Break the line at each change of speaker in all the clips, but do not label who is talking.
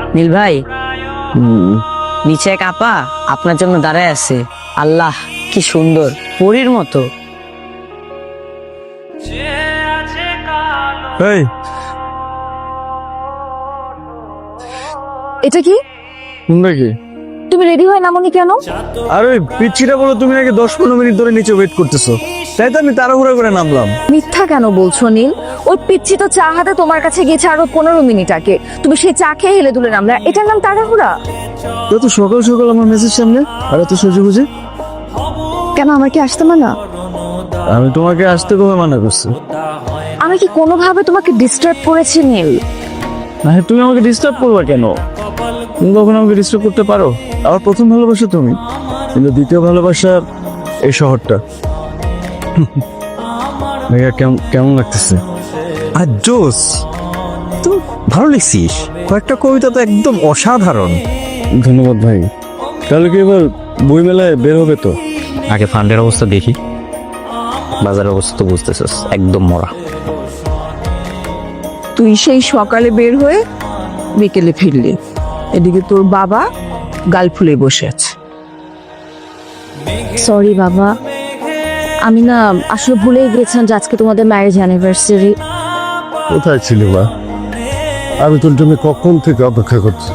নীল ভাই, নিচে এক আপা আপনার জন্য দাঁড়ায় আছে। আল্লাহ, কি সুন্দর, পরীর মতো।
এই
এটা কি?
তোমরা কি?
তুমি রেডি হয় নামনি কেন?
আর ওই পিচ্ছিটা বলো তুমি নাকি 10-15 মিনিট ধরে নিচে ওয়েট করতেছো, তাই তো আমি তাড়াহুড়া করে নামলাম।
মিথ্যা কেন বলছো নীল? ওই পিচ্ছি তো চা হাতে তোমার কাছে গেছে আরো 15 মিনিট আগে। তুমি সেই চা খেয়ে হেলে দুলে নামলে, এটার নাম তাড়াহুড়া?
তো সকাল সকাল আমার মেসেজ সামনে আর এত সহ্য বুঝে
কেন, আমার কি আসতে মানা?
আমি তোমাকে আসতে কবে মানা করছি?
আমি কি কোনোভাবে তোমাকে ডিস্টার্ব করেছি নীল?
না, তুমি আমাকে ডিস্টার্ব করবা কেন? তুমি কখনো আমাকে ডিস্টার্ব করতে পারো? আমার প্রথম ভালোবাসা তুমি, কিন্তু দ্বিতীয় ভালোবাসা এই শহরটা। ভাইয়া কেমন লাগতেছে?
আর জোস, তো ভালো লিখছিস, কয়েকটা কবিতা তো একদম অসাধারণ।
ধন্যবাদ ভাই। তাহলে কি এবার বই মেলায় বের হবে তো?
আগে ফান্ডের অবস্থা দেখি, বাজারের অবস্থা তো বুঝতেছিস একদম মরা।
তুই সেই সকালে বের হয়ে বিকেলে ফিরলি, এদিকে তোর বাবা গাল ফুলে বসে আছে। সরি বাবা, আমি না আসলে ভুলেই গেছিলাম যে আজকে তোমাদের ম্যারেজ অ্যানিভার্সারি।
কোথায় ছিল মা? আমি তোর জন্য কখন থেকে অপেক্ষা করছি।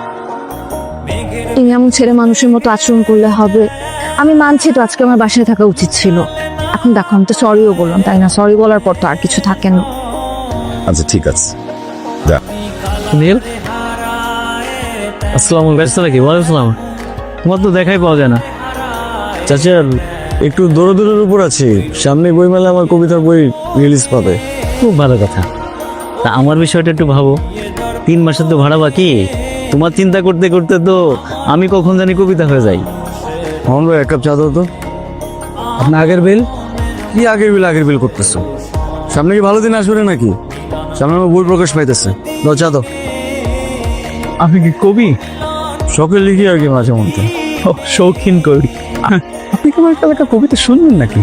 তুমি এমন ছেলে মানুষের মতো আচরণ করলে হবে? আমি মানছি তো আজকে আমার বাসায় থাকা উচিত ছিল। এখন দেখো, আমি তো সরিও বললাম, তাই না? সরি বলার পর তো আর কিছু থাকে না।
আচ্ছা ঠিক আছে।
নীল, আসসালামু আলাইকুম। নাকি ওয়ালাইকুম আসসালাম। তোমার তো দেখাই পাওয়া যায় না।
চাচা, একটু দৌড়ের উপর আছি, সামনে বই মেলা আমার কবিতার বই রিলিজ পাবে।
খুব ভালো কথা। তা আমার বিষয়টা একটু ভাবো, 3 মাসের তো ভাড়া বাকি। তোমার চিন্তা করতে করতে তো আমি কখন জানি কবিতা হয়ে যাই।
মোহন ভাই, এক কাপ চা দাও তো।
আপনার আগের বিল?
কি আগের বিল করতেছো? সামনে কি ভালো দিন আসবে নাকি? সামনে আমার বই প্রকাশ পাইতেছে, দাও চা দাও।
আপনি কি কবি?
শখে লিখি আর কি মাঝে মধ্যে।
ও, শৌখিন কবি। আপনি কি আমার একটা কবিতা শুনবেন নাকি?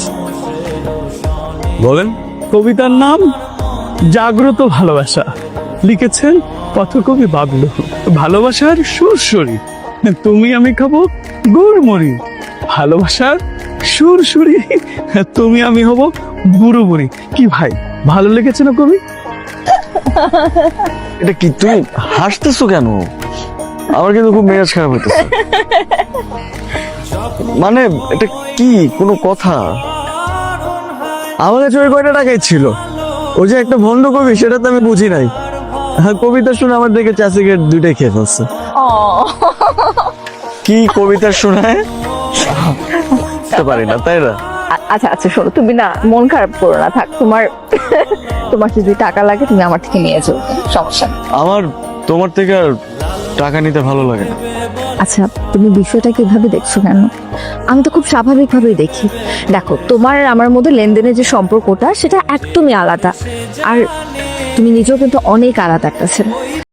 বলেন।
কবিতার নাম জাগ্রত ভালোবাসা, লিখেছেন পথকবি বাবলু। ভালোবাসার সুরসুরি, তুমি আমি খাবো গুড়মুড়ি। ভালোবাসার সুরসুরি, তুমি আমি হব বুড়ো বুড়ি। কি ভাই, ভালো লেগেছে না কবি?
এটা কি, তুমি হাসতেছো কেন? আমার কিন্তু খুব মেজাজ খারাপ হইতেছে। মানে এটা কি কোনো কথা? আমার কাছে ওই কয়টা টাকাই ছিল, ওই যে একটা ভণ্ড কবি, সেটা তো আমি বুঝি নাই। কবিতা শুনে আমার দেখে চা সিগারেট দুইটাই খেয়ে ফেলছে। কি কবিতা শোনায় পারি না, তাই না?
আচ্ছা আচ্ছা, শোনো, তুমি না মন খারাপ করো না, থাক। তোমার যদি টাকা লাগে তুমি আমার থেকে নিয়ে যাও, সমস্যা নেই।
আমার তোমার থেকে আর টাকা নিতে ভালো লাগে না।
আচ্ছা, তুমি বিষয়টা কিভাবে দেখছো কেন? আমি তো খুব স্বাভাবিকভাবেই দেখি। দেখো, তোমার আর আমার মধ্যে লেনদেনের যে সম্পর্কটা, সেটা একদমই আলাদা। আর তুমি নিজেও কিন্তু অনেক আলাদা একটা ছেলে।